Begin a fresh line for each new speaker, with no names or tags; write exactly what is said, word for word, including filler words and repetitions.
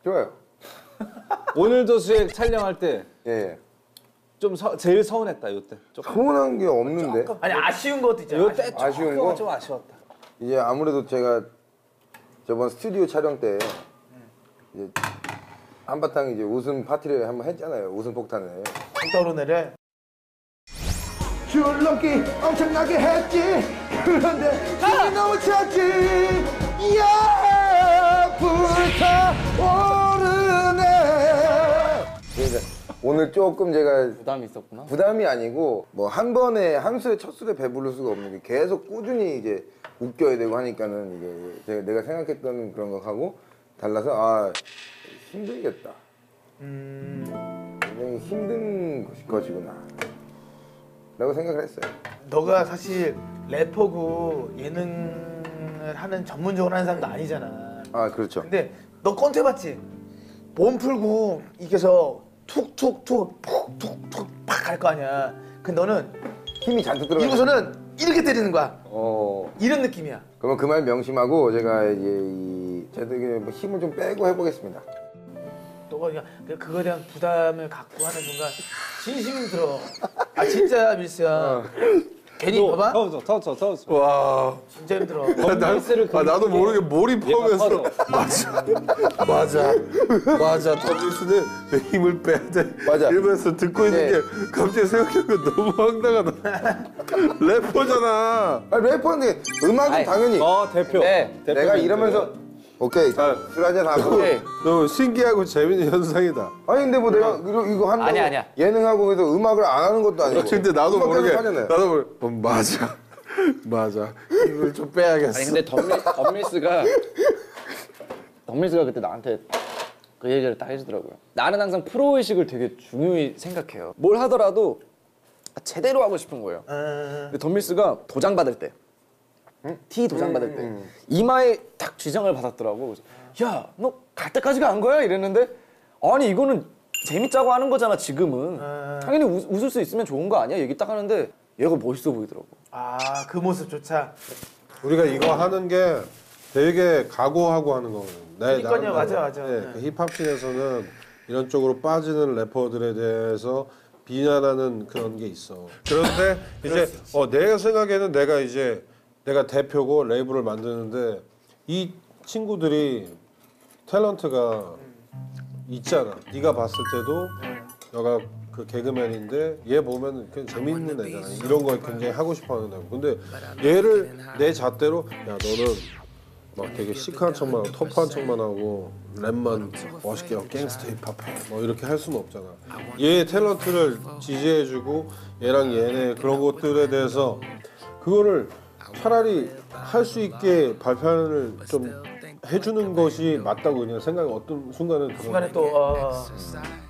좋아요.
오늘도 수액 촬영할 때
예.
좀 서, 제일 서운했다 요때.
서운한 게 없는데.
조금. 아니 아쉬운 것도 있잖아.
요때
아쉬운 거?
좀 아쉬웠다.
이제 아무래도 제가 저번 스튜디오 촬영 때 이제 한바탕 이제 웃음 파티를 한번 했잖아요. 웃음 폭탄을.
떠오르네를.
줄넘기 엄청나게 했지. 그런데 힘이 너무 찼지. 야 불타오르네. 그러니까 오늘 조금 제가
부담이 있었구나.
부담이 아니고 뭐 한 번에 한 술에 첫 술에 배부를 수가 없는 게 계속 꾸준히 이제 웃겨야 되고 하니까는 이게 제가 내가 생각했던 그런 것하고 달라서 아 힘들겠다.
음.
굉장히 힘든 것이구나 라고 생각을 했어요.
너가 사실 래퍼고 예능을 하는 전문적으로 하는 사람도 아니잖아.
아 그렇죠.
근데 너 꼰대 봤지? 몸 풀고 이겨서 툭툭툭 푹툭툭 팍 갈 거 아니야. 근데 너는
힘이 잔뜩 들어가.
이고서는 이렇게 때리는 거야.
어.
이런 느낌이야.
그러면 그 말 명심하고 제가 이제 이 제대로 힘을 좀 빼고 해보겠습니다.
너가 그냥 그거에 대한 부담을 갖고 하는 순간 진심이 들어. 아 진짜 밀스야.
어.
괜히 봐봐.
터져 터져 터져.
와.
진짜 힘들어.
나, 아, 나도 모르게 몰입하면서 맞아 맞아 맞아 더블스는 내 힘을 빼야 돼
맞아.
이러면서 듣고 있는
네.
게 갑자기 생각해보면 너무 황당하다. 래퍼잖아.
아 래퍼인데 음악은
아이,
당연히
어 대표.
네.
대표
내가
멘트.
이러면서 오케이 자, 술 한잔 하고
오케이.
너무 신기하고 재밌는 현상이다.
아니 근데 뭐 내가 이거, 이거 한다고
아니야, 아니야.
예능하고 해서 음악을 안 하는 것도 아니고
근데 나도
음악
모르게
계속 하잖아요.
나도 모르게 어, 맞아 맞아 힘을 좀 빼야겠어.
아니 근데 덤밀, 덤밀스가 덤밀스가 그때 나한테 그 얘기를 딱 해주더라고요. 나는 항상 프로의식을 되게 중요히 생각해요. 뭘 하더라도 제대로 하고 싶은 거예요. 근데 덤밀스가 도장 받을 때 T 도장 받을 때 이마에 딱 쥐장을 받았더라고. 그래서 야, 너 갈 때까지 간 거야? 이랬는데 아니 이거는 재밌자고 하는 거잖아 지금은. 당연히 웃, 웃을 수 있으면 좋은 거 아니야? 얘기 딱 하는데 얘가 멋있어 보이더라고.
아 그 모습조차.
우리가 이거 하는 게 되게 각오하고 하는 거거든요. 네,
그러니까요, 맞아, 맞아.
네,
네.
그 힙합씬에서는 이런 쪽으로 빠지는 래퍼들에 대해서 비난하는 그런 게 있어. 그런데 이제 어, 내가 생각에는 내가 이제 내가 대표고 레이블을 만드는데 이 친구들이 탤런트가 있잖아. 네가 봤을 때도 너가 그 개그맨인데 얘 보면 그냥 재밌는 애잖아. 이런 걸 굉장히 하고 싶어하는 애고. 근데 얘를 내 잣대로 야 너는 막 되게 시크한 척만 하고 터프한 척만 하고 랩만 멋있게 하고 갱스터 힙합해 뭐 이렇게 할 수는 없잖아. 얘의 탤런트를 지지해주고 얘랑 얘네 그런 것들에 대해서 그거를 차라리 할 수 있게 발표를 좀 해주는 것이 맞다고 그냥 생각이 어떤 순간은
순간에 또 어,